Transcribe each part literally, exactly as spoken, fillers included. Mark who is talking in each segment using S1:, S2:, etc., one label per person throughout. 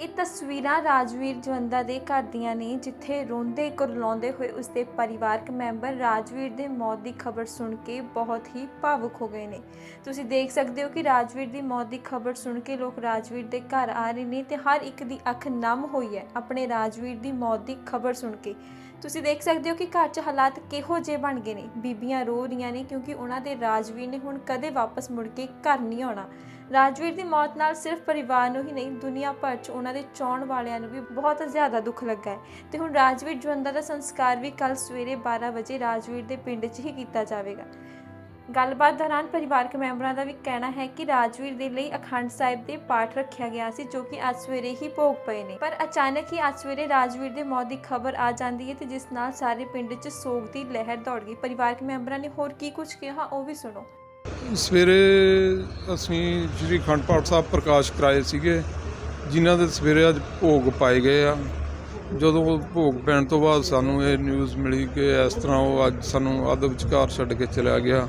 S1: ਇਹ ਤਸਵੀਰਾਂ ਰਾਜਵੀਰ ਜਵੰਦਾ ਦੇ ਘਰ ਦੀਆਂ ਨੇ, ਜਿੱਥੇ ਰੋਂਦੇ ਕੁਰਲਾਉਂਦੇ ਹੋਏ ਉਸਦੇ ਪਰਿਵਾਰਕ ਮੈਂਬਰ ਰਾਜਵੀਰ ਦੇ ਮੌਤ ਦੀ ਖਬਰ ਸੁਣ ਕੇ ਬਹੁਤ ਹੀ ਭਾਵੁਕ ਹੋ ਗਏ ਨੇ। ਤੁਸੀਂ ਦੇਖ ਸਕਦੇ ਹੋ ਕਿ ਰਾਜਵੀਰ ਦੀ ਮੌਤ ਦੀ ਖਬਰ ਸੁਣ ਕੇ ਲੋਕ ਰਾਜਵੀਰ ਦੇ ਘਰ ਆ ਰਹੇ ਨੇ ਤੇ ਹਰ ਇੱਕ ਦੀ ਅੱਖ ਨਮ ਹੋਈ ਹੈ ਆਪਣੇ ਰਾਜਵੀਰ ਦੀ ਮੌਤ ਦੀ ਖਬਰ ਸੁਣ ਕੇ। ਤੁਸੀਂ ਦੇਖ ਸਕਦੇ ਹੋ ਕਿ ਘਰ 'ਚ ਹਾਲਾਤ ਕਿਹੋ ਜਿਹੇ ਬਣ ਗਏ ਨੇ। ਬੀਬੀਆਂ ਰੋ ਰਹੀਆਂ ਨੇ ਕਿਉਂਕਿ ਉਹਨਾਂ ਦੇ ਰਾਜਵੀਰ ਨੇ ਹੁਣ ਕਦੇ ਵਾਪਸ ਮੁੜ ਕੇ ਘਰ ਨਹੀਂ ਆਉਣਾ। ਰਾਜਵੀਰ ਦੀ ਮੌਤ ਨਾਲ ਸਿਰਫ ਪਰਿਵਾਰ ਨੂੰ ਹੀ ਨਹੀਂ, ਦੁਨੀਆ ਭਰ 'ਚ ਉਹਨਾਂ ਦੇ ਚਾਹੁਣ ਵਾਲਿਆਂ ਨੂੰ ਵੀ ਬਹੁਤ ਜ਼ਿਆਦਾ ਦੁੱਖ ਲੱਗਾ ਹੈ। ਤੇ ਹੁਣ ਰਾਜਵੀਰ ਜਵੰਦਾ ਦਾ ਸੰਸਕਾਰ ਵੀ ਕੱਲ ਸਵੇਰੇ ਬਾਰਾਂ ਵਜੇ ਰਾਜਵੀਰ ਦੇ ਪਿੰਡ 'ਚ ਹੀ ਕੀਤਾ ਜਾਵੇਗਾ। ਗੱਲਬਾਤ ਦੌਰਾਨ ਪਰਿਵਾਰਕ ਮੈਂਬਰਾਂ ਦਾ ਵੀ ਕਹਿਣਾ ਹੈ ਕਿ ਰਾਜਵੀਰ ਦੇ ਲਈ ਅਖੰਡ ਸਾਹਿਬ ਦੇ ਪਾਠ ਰੱਖਿਆ ਗਿਆ ਸੀ, ਜੋ ਕਿ ਅੱਜ ਸਵੇਰੇ ਹੀ ਭੋਗ ਪਏ ਨੇ। ਪਰ ਅਚਾਨਕ ਹੀ ਅੱਜ ਸਵੇਰੇ ਰਾਜਵੀਰ ਦੇ ਮੌਤ ਦੀ ਖਬਰ ਆ ਜਾਂਦੀ ਹੈ ਤੇ ਜਿਸ ਨਾਲ ਸਾਰੇ ਪਿੰਡ 'ਚ ਸੋਗ ਦੀ ਲਹਿਰ ਦੌੜ ਗਈ। ਪਰਿਵਾਰਕ ਮੈਂਬਰਾਂ ਨੇ ਹੋਰ ਕੀ ਕੁਝ ਕਿਹਾ ਉਹ ਵੀ ਸੁਣੋ।
S2: ਸਵੇਰੇ ਅਸੀਂ ਸ਼੍ਰੀ ਅਖੰਡ ਪਾਠ ਸਾਹਿਬ ਪ੍ਰਕਾਸ਼ ਕਰਾਏ ਸੀਗੇ, ਜਿਨ੍ਹਾਂ ਦੇ ਸਵੇਰੇ ਅੱਜ ਭੋਗ ਪਾਏ ਗਏ ਆ। ਜਦੋਂ ਭੋਗ ਪੈਣ ਤੋਂ ਬਾਅਦ ਸਾਨੂੰ ਇਹ ਨਿਊਜ਼ ਮਿਲੀ ਕਿ ਇਸ ਤਰ੍ਹਾਂ ਉਹ ਅੱਜ ਸਾਨੂੰ ਅੱਧ ਵਿਚਕਾਰ ਛੱਡ ਕੇ ਚਲਿਆ ਗਿਆ।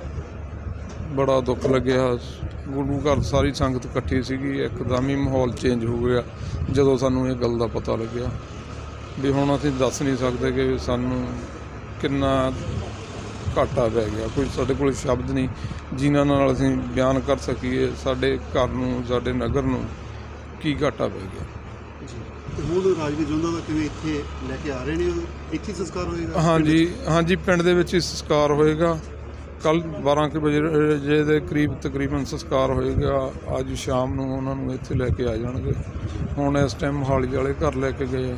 S2: ਬੜਾ ਦੁੱਖ ਲੱਗਿਆ। ਗੁਰੂ ਘਰ ਸਾਰੀ ਸੰਗਤ ਇਕੱਠੀ ਸੀਗੀ, ਇੱਕਦਮ ਹੀ ਮਾਹੌਲ ਚੇਂਜ ਹੋ ਗਿਆ ਜਦੋਂ ਸਾਨੂੰ ਇਹ ਗੱਲ ਦਾ ਪਤਾ ਲੱਗਿਆ। ਵੀ ਹੁਣ ਅਸੀਂ ਦੱਸ ਨਹੀਂ ਸਕਦੇ ਕਿ ਸਾਨੂੰ ਕਿੰਨਾ ਘਾਟਾ ਪੈ ਗਿਆ। ਕੋਈ ਸਾਡੇ ਕੋਲ ਸ਼ਬਦ ਨਹੀਂ ਜਿਨ੍ਹਾਂ ਨਾਲ ਅਸੀਂ ਬਿਆਨ ਕਰ ਸਕੀਏ ਸਾਡੇ ਘਰ ਨੂੰ, ਸਾਡੇ ਨਗਰ ਨੂੰ ਕੀ ਘਾਟਾ ਪੈ ਗਿਆ।
S3: ਹੁਣ ਰਾਜਵੀਰ ਜਵੰਦਾ ਦਾ ਕਿਵੇਂ ਇੱਥੇ ਲੈ ਕੇ ਆ ਰਹੇ ਨੇ? ਇੱਥੇ ਸੰਸਕਾਰ ਹੋਏਗਾ?
S2: ਹਾਂਜੀ ਹਾਂਜੀ, ਪਿੰਡ ਦੇ ਵਿੱਚ ਹੀ ਸੰਸਕਾਰ ਹੋਏਗਾ। ਕੱਲ੍ਹ ਬਾਰਾਂ ਕੁ ਵਜੇ ਦੇ ਕਰੀਬ ਤਕਰੀਬਨ ਸੰਸਕਾਰ ਹੋਏਗਾ। ਅੱਜ ਸ਼ਾਮ ਨੂੰ ਉਹਨਾਂ ਨੂੰ ਇੱਥੇ ਲੈ ਕੇ ਆ ਜਾਣਗੇ। ਹੁਣ ਇਸ ਟਾਈਮ ਮੋਹਾਲੀ ਵਾਲੇ ਘਰ ਲੈ ਕੇ ਗਏ ਆ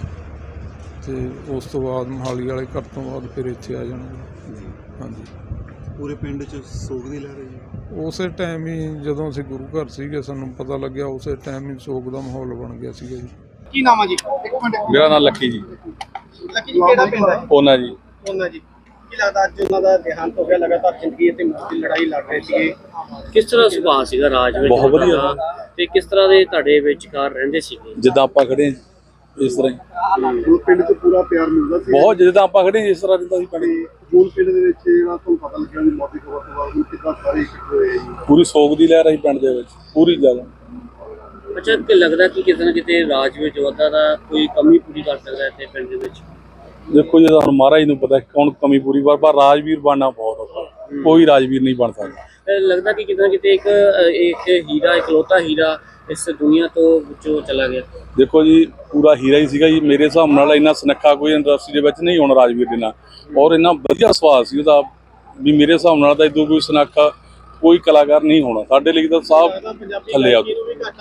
S2: ਅਤੇ ਉਸ ਤੋਂ ਬਾਅਦ ਮੋਹਾਲੀ ਵਾਲੇ ਘਰ ਤੋਂ ਬਾਅਦ ਫਿਰ ਇੱਥੇ ਆ ਜਾਣਗੇ। ਹਾਂਜੀ,
S3: ਪੂਰੇ ਪਿੰਡ 'ਚ ਸੋਗ ਦੀ ਲਹਿਰ ਹੈ ਜੀ।
S2: ਉਸੇ ਟਾਈਮ ਹੀ ਜਦੋਂ ਅਸੀਂ ਗੁਰੂ ਘਰ ਸੀਗੇ ਸਾਨੂੰ ਪਤਾ ਲੱਗਿਆ, ਉਸੇ ਟਾਈਮ ਹੀ ਸੋਗ ਦਾ ਮਾਹੌਲ ਬਣ ਗਿਆ ਸੀਗਾ ਜੀ।
S4: ਕੀ ਨਾਮ ਆ ਜੀ? ਇੱਕ ਮਿੰਟ।
S5: ਮੇਰਾ ਨਾਮ ਲੱਕੀ ਜੀ।
S4: ਲੱਕੀ ਜੀ ਕਿਹੜਾ ਪਿੰਡ ਹੈ?
S5: ਉਹਨਾਂ ਜੀ।
S4: ਉਹਨਾਂ ਜੀ। ਕੀ ਲੱਗਦਾ ਅੱਜ ਉਹਨਾਂ ਦਾ ਦੇਹਾਂਤ ਹੋ ਗਿਆ? ਲਗਾਤਾਰ ਜ਼ਿੰਦਗੀ ਅਤੇ ਮੌਤ ਦੀ ਲੜਾਈ ਲੜ ਰਹੇ ਸੀਗੇ।
S6: ਕਿਸ ਤਰ੍ਹਾਂ ਸੁਭਾਅ ਸੀਗਾ ਰਾਜਵੀਰ?
S5: ਬਹੁਤ ਵਧੀਆ
S6: ਤੇ ਕਿਸ ਤਰ੍ਹਾਂ ਦੇ ਤੁਹਾਡੇ ਵਿਚਕਾਰ ਰਹਿੰਦੇ ਸੀਗੇ?
S5: ਜਿੱਦਾਂ ਆਪਾਂ ਖੜੇ ਇਸ ਤਰ੍ਹਾਂ ਹੀ
S3: ਹੁਣ ਪਿੰਡ 'ਚ ਪੂਰਾ ਪਿਆਰ ਮਿਲਦਾ ਸੀ।
S5: ਬਹੁਤ, ਜਿੱਦਾਂ ਆਪਾਂ ਖੜੇ ਇਸ ਤਰ੍ਹਾਂ ਰਹਿੰਦਾ ਸੀ ਪਿੰਡ।
S3: ਹੁਣ ਪਿੰਡ ਦੇ ਵਿੱਚ ਜਿਹੜਾ ਤੁਹਾਨੂੰ ਪਤਾ ਲੱਗਿਆ ਵੀ ਮੌਤ ਦੀ ਖਬਰ ਤੋਂ ਬਾਅਦ ਕਿੱਦਾਂ ਸਾਰੇ ਇਕੱਠੇ ਹੋਏ ਜੀ।
S5: ਪੂਰੀ ਸੋਗ ਦੀ ਲਹਿਰ ਆਈ ਪਿੰਡ ਦੇ ਵਿੱਚ, ਪੂਰੀ ਜ਼ਿਆਦਾ।
S6: ਅੱਛਾ, ਕਿ ਲੱਗਦਾ ਕਿ ਕਿਤੇ ਨਾ ਕਿਤੇ ਰਾਜਵੀਰ ਜਵੰਦਾ ਦਾ ਕੋਈ ਕਮੀ ਪੂਰੀ ਕਰ ਸਕਦਾ ਇੱਥੇ ਪਿੰਡ ਦੇ ਵਿੱਚ?
S5: ਦੇਖੋ ਜੀ, ਹੁਣ ਮਹਾਰਾਜ ਨੂੰ ਪਤਾ ਕੌਣ ਕਮੀ ਪੂਰੀ ਕਰ, ਪਰ ਰਾਜਵੀਰ ਬਣਨਾ ਬਹੁਤ ਔਖਾ। ਕੋਈ ਰਾਜਵੀਰ ਨਹੀਂ ਬਣ ਸਕਦਾ।
S6: ਲੱਗਦਾ ਕਿ ਕਿਤੇ ਨਾ ਕਿਤੇ ਇੱਕ ਇੱਕ ਹੀਰਾ, ਇਕਲੌਤਾ ਹੀਰਾ ਇਸ ਦੁਨੀਆ ਤੋਂ ਵਿੱਚੋਂ ਚਲਾ ਗਿਆ।
S5: ਦੇਖੋ ਜੀ, ਪੂਰਾ ਹੀਰਾ ਹੀ ਸੀਗਾ ਜੀ। ਮੇਰੇ ਹਿਸਾਬ ਨਾਲ ਇੰਨਾ ਸੁਨੱਖਾ ਕੋਈ ਇੰਡਸਟਰੀ ਦੇ ਵਿੱਚ ਨਹੀਂ ਹੋਣਾ ਰਾਜਵੀਰ ਦੇ ਨਾਲ। ਔਰ ਇੰਨਾ ਵਧੀਆ ਸੁਭਾਅ ਸੀ ਉਹਦਾ ਵੀ ਮੇਰੇ ਹਿਸਾਬ ਨਾਲ ਤਾਂ ਇਦੋਂ ਕੋਈ ਸੁਨੱਖਾ ਕੋਈ ਕਲਾਕਾਰ ਨਹੀਂ ਹੋਣਾ। ਸਾਡੇ ਲਈ ਤਾਂ ਸਾਹ ਥੱਲੇ ਆ।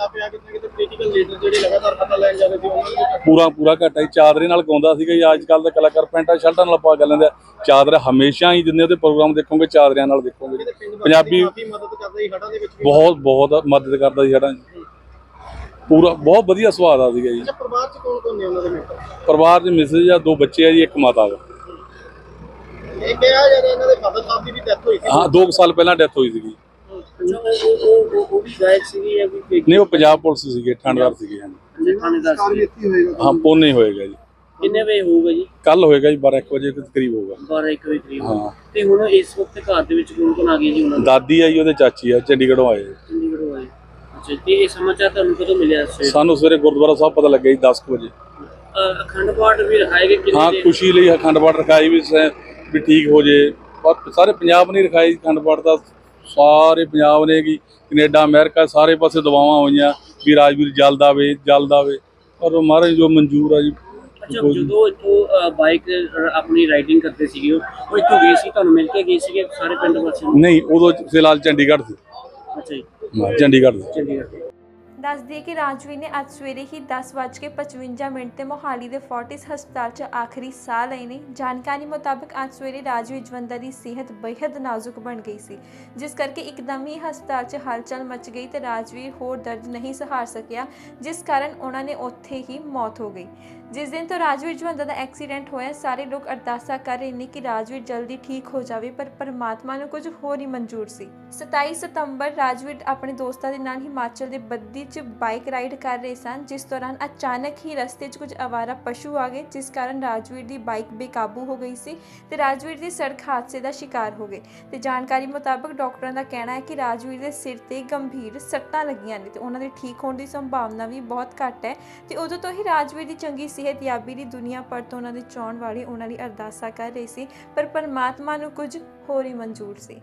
S5: ਪੂਰਾ ਪੂਰਾ ਘਾਟਾ ਹੀ। ਚਾਦਰੇ ਨਾਲ ਗਾਉਂਦਾ ਸੀਗਾ ਜੀ। ਅੱਜ ਕੱਲ੍ਹ ਦੇ ਕਲਾਕਾਰ ਪੈਂਟਾਂ ਸ਼ਰਟਾਂ ਨਾਲ ਪਾ ਕੇ ਲੈਂਦੇ। ਚਾਦਰਾ ਹਮੇਸ਼ਾ ਹੀ ਜਿੰਨੇ ਉਹਦੇ ਪ੍ਰੋਗਰਾਮ ਦੇਖੋਗੇ ਚਾਦਰਿਆਂ ਨਾਲ ਦੇਖੋਗੇ। ਪੰਜਾਬੀ ਬਹੁਤ ਬਹੁਤ ਮਦਦ ਕਰਦਾ ਸੀ ਹੜਾਂ। ਪੂਰਾ ਬਹੁਤ ਵਧੀਆ ਸੁਭਾਅ ਦਾ ਸੀਗਾ ਜੀ।
S4: ਪਰਿਵਾਰ 'ਚ ਕੌਣ ਕੌਣ ਨੇ ਉਹਨਾਂ ਦੇ ਮੈਂਬਰ?
S5: ਪਰਿਵਾਰ 'ਚ ਮਿਸਿਸ ਆ, ਦੋ ਬੱਚੇ ਆ ਜੀ, ਇੱਕ ਮਾਤਾ ਵਾ।
S4: ਇਹ ਕਿਹਾ ਜਾ ਰਿਹਾ ਇਹਨਾਂ ਦੇ ਫਾਦਰ ਸਾਹਿਬ ਦੀ ਵੀ ਡੈਥ ਹੋਈ ਸੀ।
S5: ਹਾਂ, ਦੋ ਕੁ ਸਾਲ ਪਹਿਲਾਂ ਡੈਥ ਹੋਈ ਸੀਗੀ।
S6: ਉਹ ਵੀ ਗਾਇਕ ਸੀਗੀ ਜਾਂ ਕੋਈ?
S5: ਨਹੀਂ, ਉਹ ਪੰਜਾਬ ਪੁਲਿਸ ਸੀਗੇ, ਠਾਣੇਦਾਰ ਸੀਗੇ। ਹਾਂਜੀ,
S4: ਸੰਸਕਾਰ ਵੀ ਇੱਥੇ ਹੋਏਗਾ?
S5: ਹਾਂ, ਪੋਨੇ ਹੋਏਗਾ ਜੀ।
S6: ਕਿੰਨੇ ਵਜੇ ਹੋਊਗਾ ਜੀ?
S5: ਕੱਲ ਹੋਏਗਾ ਜੀ, ਬਾਰਾਂ ਇੱਕ ਵਜੇ ਦੇ ਕਰੀਬ ਹੋਊਗਾ।
S6: ਬਾਰਾਂ ਇੱਕ ਵਜੇ ਕਰੀਬ।
S5: ਹਾਂ।
S6: ਤੇ ਹੁਣ ਇਸ ਵਕਤ ਘਰ ਦੇ ਵਿੱਚ ਕੌਣ ਕੌਣ ਆ ਗਏ ਜੀ ਉਹਨਾਂ ਦੇ?
S5: ਦਾਦੀ ਆ ਜੀ, ਉਹਦੇ ਚਾਚੀ ਆ, ਚੰਡੀਗੜ੍ਹੋਂ ਆਏ।
S6: ਚੰਡੀਗੜ੍ਹੋਂ ਆਏ। ਅੱਛਾ, ਤੇ ਇਹ ਸਮਾਚਾਰ ਤੁਹਾਨੂੰ ਕਦੋਂ ਮਿਲਿਆ?
S5: ਸਾਨੂੰ ਸਵੇਰੇ ਗੁਰਦੁਆਰਾ ਸਾਹਿਬ ਪਤਾ ਲੱਗਿਆ ਜੀ ਦਸ ਕੁ ਵਜੇ।
S6: ਅਖੰਡ ਪਾਠ ਵੀ ਰਖਾਏ ਗਏ?
S5: ਹਾਂ, ਖੁਸ਼ੀ ਲਈ ਅਖੰਡ ਪਾਠ ਰਖਾਈ ਵੀ ਵੀ ਠੀਕ ਹੋ ਜੇ। ਪਰ ਸਾਰੇ ਪੰਜਾਬ ਨੇ ਰਖਾਈ ਅਖੰਡ ਪਾਠ ਦਾ। ਸਾਰੇ ਪੰਜਾਬ ਨੇ ਕੀ ਕੈਨੇਡਾ, ਅਮਰੀਕਾ, ਸਾਰੇ ਪਾਸੇ ਦਵਾਵਾਂ ਹੋਈਆਂ ਵੀ ਰਾਜਵੀਰ ਜਲਦ ਆਵੇ, ਜਲਦ ਆਵੇ। ਪਰ ਮਹਾਰਾਜ ਜੋ ਮਨਜ਼ੂਰ ਆ ਜੀ।
S6: ਅੱਛਾ, ਜਦੋਂ ਇੱਥੋਂ ਬਾਈਕ ਆਪਣੀ ਰਾਈਡਿੰਗ ਕਰਦੇ ਸੀਗੇ, ਉਹ ਇੱਥੋਂ ਗਏ ਸੀ, ਤੁਹਾਨੂੰ ਮਿਲ ਕੇ ਗਏ ਸੀਗੇ ਸਾਰੇ ਪਿੰਡ ਵਾਸੀਆਂ ਨੂੰ?
S5: ਨਹੀਂ, ਉਦੋਂ ਫਿਲਹਾਲ ਚੰਡੀਗੜ੍ਹ ਸੀ।
S6: ਅੱਛਾ ਜੀ,
S5: ਚੰਡੀਗੜ੍ਹ ਸੀ।
S6: ਚੰਡੀਗੜ੍ਹ।
S1: ਦੱਸ ਦਈਏ ਕਿ ਰਾਜਵੀਰ ਨੇ ਅੱਜ ਸਵੇਰੇ ਹੀ ਦਸ ਵੱਜ ਕੇ ਪਚਵੰਜਾ ਮਿੰਟ ਤੇ ਮੋਹਾਲੀ ਦੇ ਫੋਰਟਿਸ ਹਸਪਤਾਲ 'ਚ ਆਖਰੀ ਸਾਹ ਲਏ ਨੇ। ਜਾਣਕਾਰੀ ਮੁਤਾਬਕ ਅੱਜ ਸਵੇਰੇ ਰਾਜਵੀਰ ਜਵੰਦਾ ਦੀ ਸਿਹਤ ਬੇਹੱਦ ਨਾਜ਼ੁਕ ਬਣ ਗਈ ਸੀ, ਜਿਸ ਕਰਕੇ ਇੱਕਦਮ ਹੀ ਹਸਪਤਾਲ 'ਚ ਹਲਚਲ ਮਚ ਗਈ ਤੇ ਰਾਜਵੀਰ ਹੋਰ ਦਰਦ ਨਹੀਂ ਸਹਾਰ ਸਕਿਆ, ਜਿਸ ਕਾਰਨ ਉਹਨਾਂ ਨੇ ਉੱਥੇ ਹੀ ਮੌਤ ਹੋ ਗਈ। ਜਿਸ ਦਿਨ ਤੋਂ ਰਾਜਵੀਰ ਜਵੰਦਾ ਦਾ ਐਕਸੀਡੈਂਟ ਹੋਇਆ, ਸਾਰੇ ਲੋਕ ਅਰਦਾਸਾਂ ਕਰ ਰਹੇ ਨੇ ਕਿ ਰਾਜਵੀਰ ਜਲਦੀ ਠੀਕ ਹੋ ਜਾਵੇ, ਪਰ ਪਰਮਾਤਮਾ ਨੂੰ ਕੁਝ ਹੋਰ ਹੀ ਮਨਜ਼ੂਰ ਸੀ। ਸਤਾਈ ਸਤੰਬਰ ਰਾਜਵੀਰ ਆਪਣੇ ਦੋਸਤਾਂ ਦੇ ਨਾਲ ਹਿਮਾਚਲ ਦੇ ਬੱਦੀ ਵਿੱਚ ਬਾਈਕ ਰਾਈਡ ਕਰ ਰਹੇ ਸਨ, ਜਿਸ ਦੌਰਾਨ ਅਚਾਨਕ ਹੀ ਰਸਤੇ 'ਚ ਕੁਝ ਅਵਾਰਾ ਪਸ਼ੂ ਆ ਗਏ, ਜਿਸ ਕਾਰਨ ਰਾਜਵੀਰ ਦੀ ਬਾਈਕ ਬੇਕਾਬੂ ਹੋ ਗਈ ਸੀ ਤੇ ਰਾਜਵੀਰ ਦੀ ਸੜਕ ਹਾਦਸੇ ਦਾ ਸ਼ਿਕਾਰ ਹੋ ਗਏ। ਤੇ ਜਾਣਕਾਰੀ ਮੁਤਾਬਕ ਡਾਕਟਰਾਂ ਦਾ ਕਹਿਣਾ ਹੈ ਕਿ ਰਾਜਵੀਰ ਦੇ ਸਿਰ ਤੇ ਗੰਭੀਰ ਸੱਟਾਂ ਲੱਗੀਆਂ ਨੇ ਤੇ ਉਹਨਾਂ ਦੇ ਠੀਕ ਹੋਣ ਦੀ ਸੰਭਾਵਨਾ ਵੀ ਬਹੁਤ ਘੱਟ ਹੈ ਤੇ ਉਦੋਂ ਤੋਂ ਹੀ ਰਾਜਵੀਰ ਦੀ ਚੰਗੀ ਸਿਹਤਯਾਬੀ ਦੀ ਦੁਨੀਆ ਭਰ ਤੋਂ ਉਹਨਾਂ ਦੇ ਚਾਹੁਣ ਵਾਲੇ ਉਹਨਾਂ ਲਈ ਅਰਦਾਸਾਂ ਕਰ ਰਹੇ ਸੀ, ਪਰ ਪਰਮਾਤਮਾ ਨੂੰ ਕੁਝ ਹੋਰ ਹੀ ਮਨਜ਼ੂਰ ਸੀ।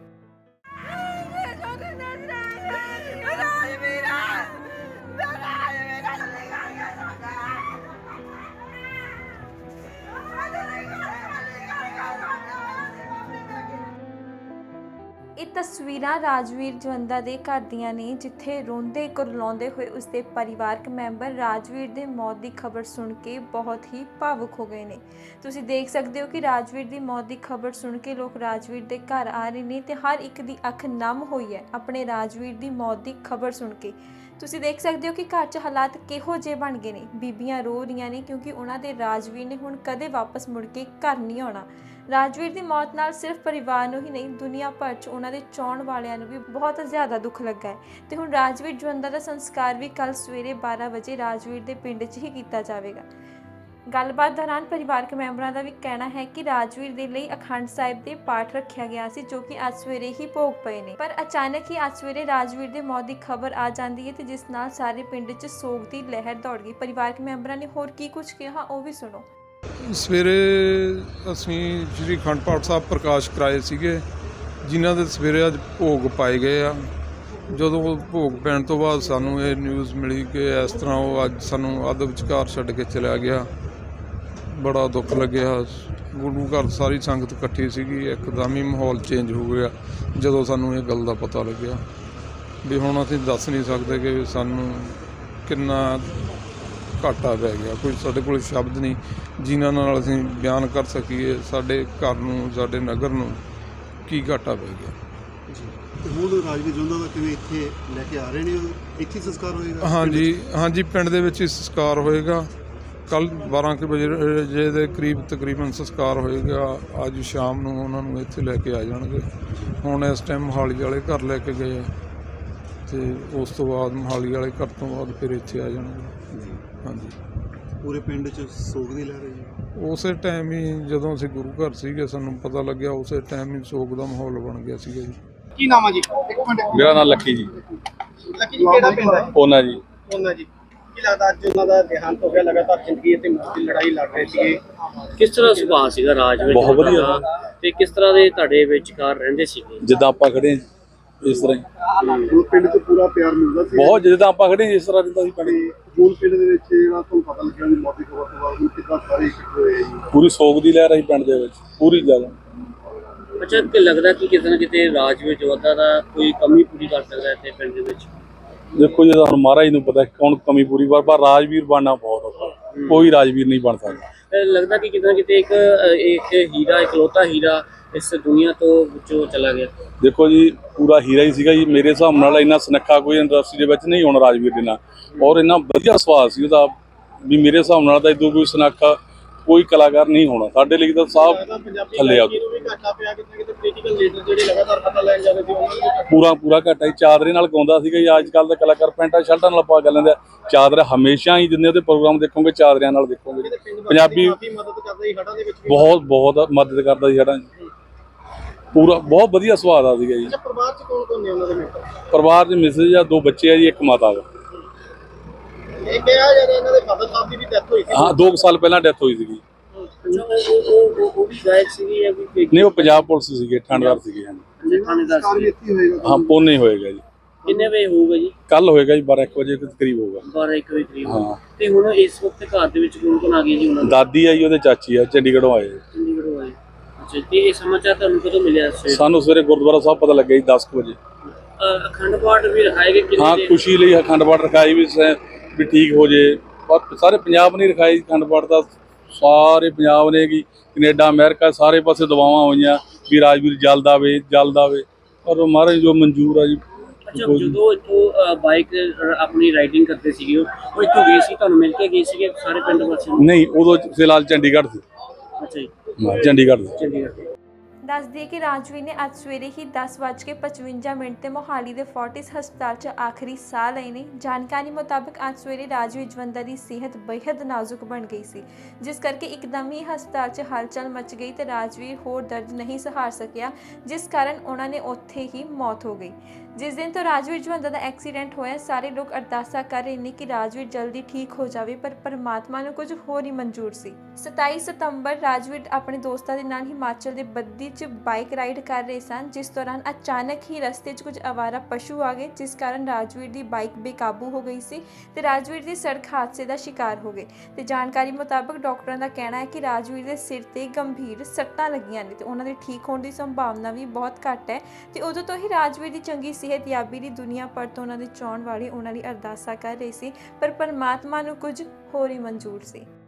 S1: ਇਹ ਤਸਵੀਰਾਂ ਰਾਜਵੀਰ ਜਵੰਦਾ ਦੇ ਘਰ ਦੀਆਂ ਨੇ, ਜਿੱਥੇ ਰੋਂਦੇ ਕੁਰਲਾਉਂਦੇ ਹੋਏ ਉਸਦੇ ਪਰਿਵਾਰਕ ਮੈਂਬਰ ਰਾਜਵੀਰ ਦੇ ਮੌਤ ਦੀ ਖਬਰ ਸੁਣ ਕੇ ਬਹੁਤ ਹੀ ਭਾਵੁਕ ਹੋ ਗਏ ਨੇ। ਤੁਸੀਂ ਦੇਖ ਸਕਦੇ ਹੋ ਕਿ ਰਾਜਵੀਰ ਦੀ ਮੌਤ ਦੀ ਖਬਰ ਸੁਣ ਕੇ ਲੋਕ ਰਾਜਵੀਰ ਦੇ ਘਰ ਆ ਰਹੇ ਨੇ ਤੇ ਹਰ ਇੱਕ ਦੀ ਅੱਖ ਨਮ ਹੋਈ ਹੈ ਆਪਣੇ ਰਾਜਵੀਰ ਦੀ ਮੌਤ ਦੀ ਖਬਰ ਸੁਣ ਕੇ। ਤੁਸੀਂ ਦੇਖ ਸਕਦੇ ਹੋ ਕਿ ਘਰ 'ਚ ਹਾਲਾਤ ਕਿਹੋ ਜਿਹੇ ਬਣ ਗਏ ਨੇ। ਬੀਬੀਆਂ ਰੋ ਰਹੀਆਂ ਨੇ ਕਿਉਂਕਿ ਉਹਨਾਂ ਦੇ ਰਾਜਵੀਰ ਨੇ ਹੁਣ ਕਦੇ ਵਾਪਸ ਮੁੜ ਕੇ ਘਰ ਨਹੀਂ ਆਉਣਾ। ਰਾਜਵੀਰ ਦੀ ਮੌਤ ਨਾਲ ਸਿਰਫ ਪਰਿਵਾਰ ਨੂੰ ਹੀ ਨਹੀਂ, ਦੁਨੀਆ ਭਰ 'ਚ ਉਹਨਾਂ ਦੇ ਚਾਹੁਣ ਵਾਲਿਆਂ ਨੂੰ ਵੀ ਬਹੁਤ ਜ਼ਿਆਦਾ ਦੁੱਖ ਲੱਗਾ ਹੈ ਤੇ ਹੁਣ ਰਾਜਵੀਰ ਜਵੰਦਾ ਦਾ ਸੰਸਕਾਰ ਵੀ ਕੱਲ ਸਵੇਰੇ ਬਾਰਾਂ ਵਜੇ ਰਾਜਵੀਰ ਦੇ ਪਿੰਡ 'ਚ ਹੀ ਕੀਤਾ ਜਾਵੇਗਾ। ਗੱਲਬਾਤ ਦੌਰਾਨ ਪਰਿਵਾਰਕ ਮੈਂਬਰਾਂ ਦਾ ਵੀ ਕਹਿਣਾ ਹੈ ਕਿ ਰਾਜਵੀਰ ਦੇ ਲਈ ਅਖੰਡ ਸਾਹਿਬ ਦੇ ਪਾਠ ਰੱਖਿਆ ਗਿਆ ਸੀ, ਜੋ ਕਿ ਅੱਜ ਸਵੇਰੇ ਹੀ ਭੋਗ ਪਏ ਨੇ, ਪਰ ਅਚਾਨਕ ਹੀ ਅੱਜ ਸਵੇਰੇ ਰਾਜਵੀਰ ਦੇ ਮੌਤ ਦੀ ਖਬਰ ਆ ਜਾਂਦੀ ਹੈ ਤੇ ਜਿਸ ਨਾਲ ਸਾਰੇ ਪਿੰਡ 'ਚ ਸੋਗ ਦੀ ਲਹਿਰ ਦੌੜ ਗਈ। ਪਰਿਵਾਰਕ ਮੈਂਬਰਾਂ ਨੇ ਹੋਰ ਕੀ ਕੁਝ ਕਿਹਾ ਉਹ ਵੀ ਸੁਣੋ।
S2: ਸਵੇਰੇ ਅਸੀਂ ਸ਼੍ਰੀ ਅਖੰਡ ਪਾਠ ਸਾਹਿਬ ਪ੍ਰਕਾਸ਼ ਕਰਾਏ ਸੀਗੇ, ਜਿਨ੍ਹਾਂ ਦੇ ਸਵੇਰੇ ਅੱਜ ਭੋਗ ਪਾਏ ਗਏ ਆ। ਜਦੋਂ ਭੋਗ ਪੈਣ ਤੋਂ ਬਾਅਦ ਸਾਨੂੰ ਇਹ ਨਿਊਜ਼ ਮਿਲੀ ਕਿ ਇਸ ਤਰ੍ਹਾਂ ਉਹ ਅੱਜ ਸਾਨੂੰ ਅੱਧ ਵਿਚਕਾਰ ਛੱਡ ਕੇ ਚਲਿਆ ਗਿਆ। ਬੜਾ ਦੁੱਖ ਲੱਗਿਆ। ਗੁਰੂ ਘਰ ਸਾਰੀ ਸੰਗਤ ਇਕੱਠੀ ਸੀਗੀ, ਇੱਕਦਮ ਹੀ ਮਾਹੌਲ ਚੇਂਜ ਹੋ ਗਿਆ ਜਦੋਂ ਸਾਨੂੰ ਇਹ ਗੱਲ ਦਾ ਪਤਾ ਲੱਗਿਆ। ਵੀ ਹੁਣ ਅਸੀਂ ਦੱਸ ਨਹੀਂ ਸਕਦੇ ਕਿ ਸਾਨੂੰ ਕਿੰਨਾ ਘਾਟਾ ਪੈ ਗਿਆ, ਕੋਈ ਸਾਡੇ ਕੋਲ ਸ਼ਬਦ ਨਹੀਂ ਜਿਨ੍ਹਾਂ ਨਾਲ ਅਸੀਂ ਬਿਆਨ ਕਰ ਸਕੀਏ ਸਾਡੇ ਘਰ ਨੂੰ, ਸਾਡੇ ਨਗਰ ਨੂੰ ਕੀ ਘਾਟਾ ਪੈ ਗਿਆ।
S3: ਹੁਣ ਰਾਜਵੀਰ ਜਵੰਦਾ ਦਾ ਕਿਵੇਂ ਇੱਥੇ ਲੈ ਕੇ ਆ ਰਹੇ ਨੇ, ਇੱਥੇ ਸੰਸਕਾਰ ਹੋਏਗਾ?
S2: ਹਾਂਜੀ ਹਾਂਜੀ, ਪਿੰਡ ਦੇ ਵਿੱਚ ਹੀ ਸੰਸਕਾਰ ਹੋਏਗਾ। ਕੱਲ ਬਾਰਾਂ ਕੁ ਵਜੇ ਦੇ ਕਰੀਬ ਤਕਰੀਬਨ ਸੰਸਕਾਰ ਹੋਏਗਾ। ਅੱਜ ਸ਼ਾਮ ਨੂੰ ਉਹਨਾਂ ਨੂੰ ਇੱਥੇ ਲੈ ਕੇ ਆ ਜਾਣਗੇ। ਹੁਣ ਇਸ ਟਾਈਮ ਮੋਹਾਲੀ ਵਾਲੇ ਘਰ ਲੈ ਕੇ ਗਏ ਆ ਤੇ ਉਸ ਤੋਂ ਬਾਅਦ ਮੋਹਾਲੀ ਵਾਲੇ ਘਰ ਤੋਂ ਬਾਅਦ ਫਿਰ ਇੱਥੇ ਆ ਜਾਣਗੇ। ਹਾਂਜੀ,
S3: ਪੂਰੇ ਪਿੰਡ 'ਚ ਸੋਗ ਦੀ ਲਹਿਰ ਹੈ ਜੀ।
S2: ਉਸੇ ਟਾਈਮ ਹੀ ਜਦੋਂ ਅਸੀਂ ਗੁਰੂ ਘਰ ਸੀਗੇ ਸਾਨੂੰ ਪਤਾ ਲੱਗਿਆ, ਉਸੇ ਟਾਈਮ ਹੀ ਸੋਗ ਦਾ ਮਾਹੌਲ ਬਣ ਗਿਆ ਸੀਗਾ ਜੀ।
S4: ਕੀ ਨਾਮ ਆ ਜੀ? ਇੱਕ ਮਿੰਟ।
S5: ਮੇਰਾ ਨਾਮ ਲੱਕੀ ਜੀ।
S4: ਲੱਕੀ ਜੀ ਕਿਹੜਾ ਪਿੰਡ ਹੈ?
S5: ਉਹਨਾਂ ਜੀ
S4: ਉਹਨਾਂ ਜੀ ਕੀ ਲੱਗਦਾ ਅੱਜ ਉਹਨਾਂ ਦਾ ਦੇਹਾਂਤ ਹੋ ਗਿਆ? ਲਗਾਤਾਰ ਜ਼ਿੰਦਗੀ ਅਤੇ ਮੌਤ ਦੀ ਲੜਾਈ ਲੜ ਰਹੇ ਸੀਗੇ।
S6: ਕਿਸ ਤਰ੍ਹਾਂ ਸੁਭਾਅ ਸੀਗਾ ਰਾਜਵੀਰ
S5: ਬਹੁਤ ਵਧੀਆ
S6: ਦਾ ਤੇ ਕਿਸ ਤਰ੍ਹਾਂ ਦੇ ਤੁਹਾਡੇ ਵਿਚਕਾਰ ਰਹਿੰਦੇ ਸੀਗੇ?
S5: ਜਿੱਦਾਂ ਆਪਾਂ ਖੜੇ ਹਾਂ ਇਸ ਤਰ੍ਹਾਂ ਹੀ,
S3: ਹੁਣ ਪਿੰਡ 'ਚ ਪੂਰਾ ਪਿਆਰ ਮਿਲਦਾ ਸੀ
S5: ਬਹੁਤ ਜਿੱਦਾਂ ਆਪਾਂ ਖੜੇ ਹਾਂ ਇਸ ਤਰ੍ਹਾਂ ਰਹਿੰਦਾ ਸੀ ਪਿੰਡ।
S3: ਹੁਣ ਪਿੰਡ ਦੇ ਵਿੱਚ ਜਿਹੜਾ ਤੁਹਾਨੂੰ ਪਤਾ ਲੱਗਿਆ ਵੀ ਮੌਤ ਦੀ ਖਬਰ ਤੋਂ ਬਾਅਦ ਕਿੱਦਾਂ ਸਾਰੇ ਇਕੱਠੇ ਹੋਏ ਜੀ?
S5: ਪੂਰੀ ਸੋਗ ਦੀ ਲਹਿਰ ਆਈ ਪਿੰਡ ਦੇ ਵਿੱਚ, ਪੂਰੀ ਜ਼ਿਆਦਾ।
S6: ਅੱਛਾ, ਕਿ ਲੱਗਦਾ ਕਿ ਕਿਤੇ ਨਾ ਕਿਤੇ ਰਾਜਵੀਰ ਜਵੰਦਾ ਦਾ ਕੋਈ ਕਮੀ ਪੂਰੀ ਕਰ ਸਕਦਾ ਇੱਥੇ ਪਿੰਡ ਦੇ ਵਿੱਚ?
S5: ਦੇਖੋ ਜੀ, ਹੁਣ ਮਹਾਰਾਜ ਨੂੰ ਪਤਾ ਕੌਣ ਕਮੀ ਪੂਰੀ ਕਰ, ਪਰ ਰਾਜਵੀਰ ਬਣਨਾ ਬਹੁਤ ਔਖਾ, ਕੋਈ ਰਾਜਵੀਰ ਨਹੀਂ ਬਣ ਸਕਦਾ।
S6: ਇਹ ਲੱਗਦਾ ਕਿ ਕਿਤੇ ਨਾ ਕਿਤੇ ਇੱਕ ਇੱਕ ਹੀਰਾ, ਇਕਲੌਤਾ ਹੀਰਾ ਇਸ ਦੁਨੀਆ ਤੋਂ ਵਿੱਚੋਂ ਚਲਾ ਗਿਆ।
S5: ਦੇਖੋ ਜੀ, ਪੂਰਾ ਹੀਰਾ ਹੀ ਸੀਗਾ ਜੀ। ਮੇਰੇ ਹਿਸਾਬ ਨਾਲ ਇੰਨਾ ਸੁਨੱਖਾ ਕੋਈ ਇੰਡਸਟਰੀ ਦੇ ਵਿੱਚ ਨਹੀਂ ਹੋਣਾ ਰਾਜਵੀਰ ਦੇ ਨਾਲ, ਔਰ ਇੰਨਾ ਵਧੀਆ ਸੁਭਾਅ ਸੀ ਉਹਦਾ ਵੀ ਮੇਰੇ ਹਿਸਾਬ ਨਾਲ ਤਾਂ ਇਦੋਂ ਕੋਈ ਸੁਨੱਖਾ ਕੋਈ ਕਲਾਕਾਰ ਨਹੀਂ ਹੋਣਾ। ਸਾਡੇ ਲਈ ਤਾਂ ਸਾਹ ਥੱਲੇ ਆ। ਪੂਰਾ ਪੂਰਾ ਘਾਟਾ ਹੀ ਚਾਦਰੇ ਨਾਲ ਗਾਉਂਦਾ ਸੀਗਾ ਜੀ। ਅੱਜ ਕੱਲ੍ਹ ਦਾ ਕਲਾਕਾਰ ਪੈਂਟਾਂ ਸ਼ਰਟਾਂ ਨਾਲ ਪਾ ਕੇ ਲੈਂਦੇ ਆ। ਚਾਦਰਾ ਹਮੇਸ਼ਾ ਹੀ ਜਿੰਨੇ ਉਹਦੇ ਪ੍ਰੋਗਰਾਮ ਦੇਖੋਗੇ ਚਾਦਰਿਆਂ ਨਾਲ ਦੇਖੋਗੇ। ਪੰਜਾਬੀ ਬਹੁਤ ਬਹੁਤ ਮਦਦ ਕਰਦਾ ਸੀ ਸਾਡਾ, ਪੂਰਾ ਬਹੁਤ ਵਧੀਆ ਸੁਭਾਅ ਦਾ ਸੀਗਾ ਜੀ।
S4: ਪਰਿਵਾਰ 'ਚ ਕੌਣ ਕੌਣ ਨੇ ਉਹਨਾਂ ਦੇ ਮੈਂਬਰ?
S5: ਪਰਿਵਾਰ 'ਚ ਮਿਸਿਸ ਜਾਂ ਦੋ ਬੱਚੇ ਆ ਜੀ, ਇੱਕ ਮਾਤਾ ਦਾ।
S4: ਇਹ ਕਿਹਾ ਜਾ ਰਿਹਾ ਇਹਨਾਂ ਦੇ ਫਾਦਰ ਸਾਹਿਬ ਦੀ ਵੀ ਡੈਥ ਹੋਈ ਸੀ।
S5: ਹਾਂ, ਦੋ ਕੁ ਸਾਲ ਪਹਿਲਾਂ ਡੈਥ ਹੋਈ ਸੀਗੀ।
S6: ਅੱਛਾ, ਉਹ ਉਹ ਉਹ ਉਹ ਵੀ ਗਾਇਕ ਸੀਗੀ ਜਾਂ ਕੋਈ?
S5: ਨਹੀਂ, ਉਹ ਪੰਜਾਬ ਪੁਲਿਸ ਸੀਗੇ, ਠਾਣੇਦਾਰ ਸੀਗੇ। ਹਾਂਜੀ,
S6: ਥਾਣੇਦਾਰ
S3: ਸੰਸਕਾਰ ਵੀ
S6: ਸੀ।
S3: ਇੱਥੇ ਹੋਏਗਾ?
S5: ਹਾਂ, ਪੋਨੇ ਹੋਏਗਾ ਜੀ।
S6: ਕਿੰਨੇ ਵਜੇ ਹੋਊਗਾ ਜੀ?
S5: ਕੱਲ ਹੋਏਗਾ ਜੀ, ਬਾਰਾਂ ਇੱਕ ਵਜੇ ਦੇ ਕਰੀਬ ਹੋਊਗਾ।
S6: ਬਾਰਾਂ ਇੱਕ ਵਜੇ ਕਰੀਬ।
S5: ਹਾਂ।
S6: ਤੇ ਹੁਣ ਇਸ ਵਕਤ ਘਰ ਦੇ ਵਿੱਚ ਕੌਣ ਕੌਣ ਆ ਗਏ ਜੀ ਉਹਨਾਂ ਦੇ?
S5: ਦਾਦੀ ਆ ਜੀ, ਉਹਦੇ ਚਾਚੀ ਆ, ਚੰਡੀਗੜ੍ਹੋਂ ਆਏ।
S6: ਚੰਡੀਗੜ੍ਹੋਂ ਆਏ। ਅੱਛਾ, ਤੇ ਇਹ ਸਮਾਚਾਰ ਤੁਹਾਨੂੰ ਕਦੋਂ ਮਿਲਿਆ ਸਵੇਰੇ?
S5: ਸਾਨੂੰ ਸਵੇਰੇ ਗੁਰਦੁਆਰਾ ਸਾਹਿਬ ਪਤਾ ਲੱਗਿਆ ਜੀ ਦਸ ਕੁ ਵਜੇ।
S6: ਅ, ਅਖੰਡ ਪਾਠ ਵੀ ਰਖਾਏ ਗਏ ਕਿੰਨੇ
S5: ਹਾਂ,
S6: ਦੇ?
S5: ਖੁਸ਼ੀ ਲਈ ਅਖੰਡ ਪਾਠ ਰਖਾਈ ਵੀ ਸ- ਵੀ ਠੀਕ ਹੋ ਜੇ। ਪਰ ਸਾਰੇ ਪੰਜਾਬ ਨੇ ਰਖਾਈ ਅਖੰਡ ਪਾਠ ਦਾ, ਸਾਰੇ ਪੰਜਾਬ ਨੇ ਕੀ ਕੈਨੇਡਾ ਅਮਰੀਕਾ ਸਾਰੇ ਪਾਸੇ ਦੁਆਵਾਂ ਹੋਈਆਂ ਵੀ ਰਾਜਵੀਰ ਜਲਦ ਆਵੇ ਜਲਦ ਆਵੇ, ਪਰ ਮਹਾਰਾਜ ਜੋ ਮਨਜ਼ੂਰ ਆ ਜੀ।
S6: ਅੱਛਾ, ਜਦੋਂ ਇੱਥੋਂ ਬਾਈਕ ਆਪਣੀ ਰਾਈਡਿੰਗ ਕਰਦੇ ਸੀਗੇ ਉਹ ਇੱਥੋਂ ਗਏ ਸੀ, ਤੁਹਾਨੂੰ ਮਿਲ ਕੇ ਗਏ ਸੀਗੇ ਸਾਰੇ ਪਿੰਡ ਵਾਸੀਆਂ ਨੂੰ?
S5: ਨਹੀਂ, ਉਦੋਂ ਫਿਲਹਾਲ ਚੰਡੀਗੜ੍ਹ ਸੀ।
S6: ਅੱਛਾ ਜੀ,
S5: ਹਾਂ, ਚੰਡੀਗੜ੍ਹ ਸੀ।
S6: ਚੰਡੀਗੜ੍ਹ।
S1: ਦੱਸ ਦਈਏ ਕਿ ਰਾਜਵੀਰ ਨੇ ਅੱਜ ਸਵੇਰੇ ਹੀ ਦਸ ਵੱਜ ਕੇ ਪਚਵੰਜਾ ਮਿੰਟ ਤੇ ਮੋਹਾਲੀ ਦੇ ਫੋਰਟਿਸ ਹਸਪਤਾਲ 'ਚ ਆਖਰੀ ਸਾਹ ਲਏ ਨੇ। ਜਾਣਕਾਰੀ ਮੁਤਾਬਕ ਅੱਜ ਸਵੇਰੇ ਰਾਜਵੀਰ ਜਵੰਦਾ ਦੀ ਸਿਹਤ ਬੇਹੱਦ ਨਾਜ਼ੁਕ ਬਣ ਗਈ ਸੀ, ਜਿਸ ਕਰਕੇ ਇੱਕਦਮ ਹੀ ਹਸਪਤਾਲ 'ਚ ਹਲਚਲ ਮਚ ਗਈ ਤੇ ਰਾਜਵੀਰ ਹੋਰ ਦਰਦ ਨਹੀਂ ਸਹਾਰ ਸਕਿਆ, ਜਿਸ ਕਾਰਨ ਉਹਨਾਂ ਨੇ ਉੱਥੇ ਹੀ ਮੌਤ ਹੋ ਗਈ। ਜਿਸ ਦਿਨ ਤੋਂ ਰਾਜਵੀਰ ਜਵੰਦਾ ਦਾ ਐਕਸੀਡੈਂਟ ਹੋਇਆ, ਸਾਰੇ ਲੋਕ ਅਰਦਾਸਾਂ ਕਰ ਰਹੇ ਨੇ ਕਿ ਰਾਜਵੀਰ ਜਲਦੀ ਠੀਕ ਹੋ ਜਾਵੇ, ਪਰ ਪਰਮਾਤਮਾ ਨੂੰ ਕੁਝ ਹੋਰ ਹੀ ਮਨਜ਼ੂਰ ਸੀ। ਸਤਾਈ ਸਤੰਬਰ ਰਾਜਵੀਰ ਆਪਣੇ ਦੋਸਤਾਂ ਦੇ ਨਾਲ ਹਿਮਾਚਲ ਦੇ ਬੱਦੀ 'ਚ ਬਾਈਕ ਰਾਈਡ ਕਰ ਰਹੇ ਸਨ, ਜਿਸ ਦੌਰਾਨ ਅਚਾਨਕ ਹੀ ਰਸਤੇ 'ਚ ਕੁਝ ਅਵਾਰਾ ਪਸ਼ੂ ਆ ਗਏ, ਜਿਸ ਕਾਰਨ ਰਾਜਵੀਰ ਦੀ ਬਾਈਕ ਬੇਕਾਬੂ ਹੋ ਗਈ ਸੀ ਤੇ ਰਾਜਵੀਰ ਦੀ ਸੜਕ ਹਾਦਸੇ ਦਾ ਸ਼ਿਕਾਰ ਹੋ ਗਏ। ਤੇ ਜਾਣਕਾਰੀ ਮੁਤਾਬਕ ਡਾਕਟਰਾਂ ਦਾ ਕਹਿਣਾ ਹੈ ਕਿ ਰਾਜਵੀਰ ਦੇ ਸਿਰ ਤੇ ਗੰਭੀਰ ਸੱਟਾਂ ਲੱਗੀਆਂ ਨੇ ਤੇ ਉਹਨਾਂ ਦੇ ਠੀਕ ਹੋਣ ਦੀ ਸੰਭਾਵਨਾ ਵੀ ਬਹੁਤ ਘੱਟ ਹੈ। ਤੇ ਉਦੋਂ ਤੋਂ ਹੀ ਰਾਜਵੀਰ ਦੀ ਚੰਗੀ ਸਿਹਤਯਾਬੀ ਦੀ ਦੁਨੀਆ ਭਰ ਤੋਂ ਉਹਨਾਂ ਦੇ ਚਾਹੁਣ ਵਾਲੇ ਉਹਨਾਂ ਲਈ ਅਰਦਾਸਾਂ ਕਰ ਰਹੇ ਸੀ, ਪਰ ਪਰਮਾਤਮਾ ਨੂੰ ਕੁਝ ਹੋਰ ਹੀ ਮਨਜ਼ੂਰ ਸੀ।